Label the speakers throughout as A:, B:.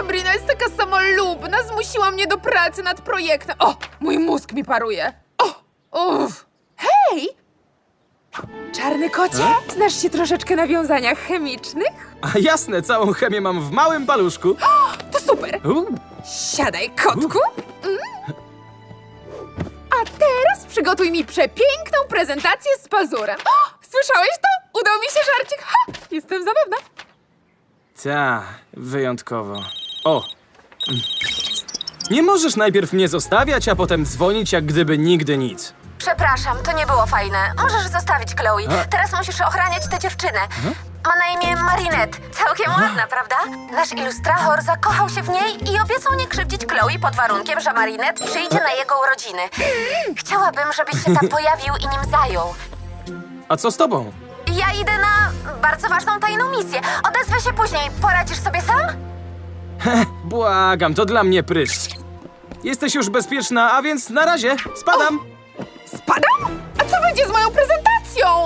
A: Sabrina jest taka samolubna, zmusiła mnie do pracy nad projektem. O, mój mózg mi paruje. Uff. Hej! Czarny kocie, znasz się troszeczkę na wiązaniach chemicznych?
B: A jasne, całą chemię mam w małym paluszku.
A: To super. Siadaj, kotku. A teraz przygotuj mi przepiękną prezentację z pazurem. Słyszałeś to? Udał mi się żarcik. Jestem zabawna.
B: Ta, wyjątkowo. O! Nie możesz najpierw mnie zostawiać, a potem dzwonić, jak gdyby nigdy nic.
C: Przepraszam, to nie było fajne. Możesz zostawić Chloe. Teraz musisz ochraniać tę dziewczynę. Ma na imię Marinette. Całkiem ładna, prawda? Nasz ilustrator zakochał się w niej i obiecał nie krzywdzić Chloe pod warunkiem, że Marinette przyjdzie na jego urodziny. Chciałabym, żebyś się tam pojawił i nim zajął.
B: A co z tobą?
C: Ja idę na bardzo ważną tajną misję. Odezwę się później. Poradzisz sobie sam?
B: Błagam, to dla mnie pryszcz. Jesteś już bezpieczna, a więc na razie. Spadam.
A: Spadam? A co będzie z moją prezentacją?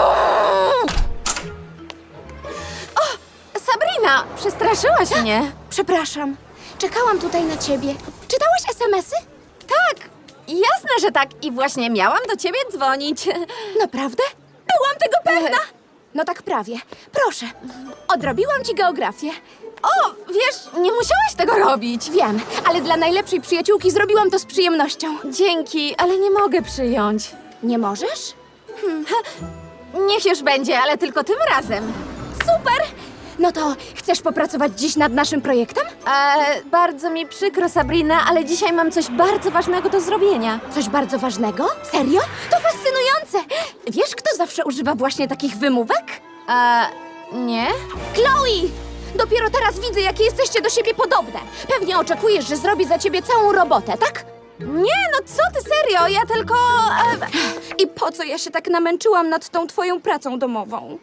C: Sabrina, przestraszyłaś mnie.
D: Przepraszam. Czekałam tutaj na ciebie. Czytałaś SMS-y?
C: Tak, jasne, że tak. I właśnie miałam do ciebie dzwonić.
D: Naprawdę? Byłam tego pewna. No tak prawie. Proszę. Odrobiłam ci geografię.
C: O, wiesz, nie musiałaś tego robić.
D: Wiem, ale dla najlepszej przyjaciółki zrobiłam to z przyjemnością.
C: Dzięki, ale nie mogę przyjąć.
D: Nie możesz?
C: Niech już będzie, ale tylko tym razem.
D: Super! No to chcesz popracować dziś nad naszym projektem?
C: Bardzo mi przykro, Sabrina, ale dzisiaj mam coś bardzo ważnego do zrobienia.
D: Coś bardzo ważnego? Serio? To fascynujące! Wiesz, kto zawsze używa właśnie takich wymówek?
C: Nie?
D: Chloe! Dopiero teraz widzę, jakie jesteście do siebie podobne. Pewnie oczekujesz, że zrobię za ciebie całą robotę, tak?
C: Nie, no co ty, serio, ja tylko...
D: I po co ja się tak namęczyłam nad tą twoją pracą domową?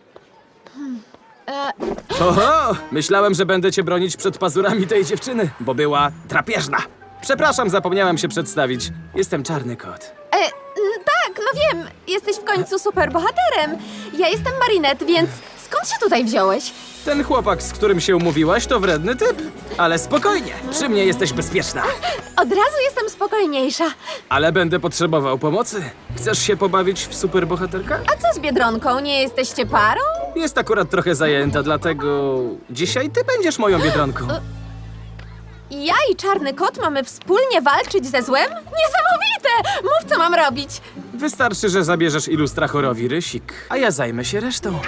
B: Oho! Myślałem, że będę cię bronić przed pazurami tej dziewczyny, bo była drapieżna. Przepraszam, zapomniałem się przedstawić. Jestem Czarny Kot.
C: Tak, no wiem, jesteś w końcu superbohaterem. Ja jestem Marinette, więc skąd się tutaj wziąłeś?
B: Ten chłopak, z którym się umówiłaś, to wredny typ. Ale spokojnie, przy mnie jesteś bezpieczna.
C: Od razu jestem spokojniejsza.
B: Ale będę potrzebował pomocy. Chcesz się pobawić w superbohaterka?
C: A co z Biedronką? Nie jesteście parą?
B: Jest akurat trochę zajęta, dlatego dzisiaj ty będziesz moją Biedronką.
C: Ja i Czarny Kot mamy wspólnie walczyć ze złem? Niesamowite! Mów, co mam robić.
B: Wystarczy, że zabierzesz ilustrachorowi rysik, a ja zajmę się resztą.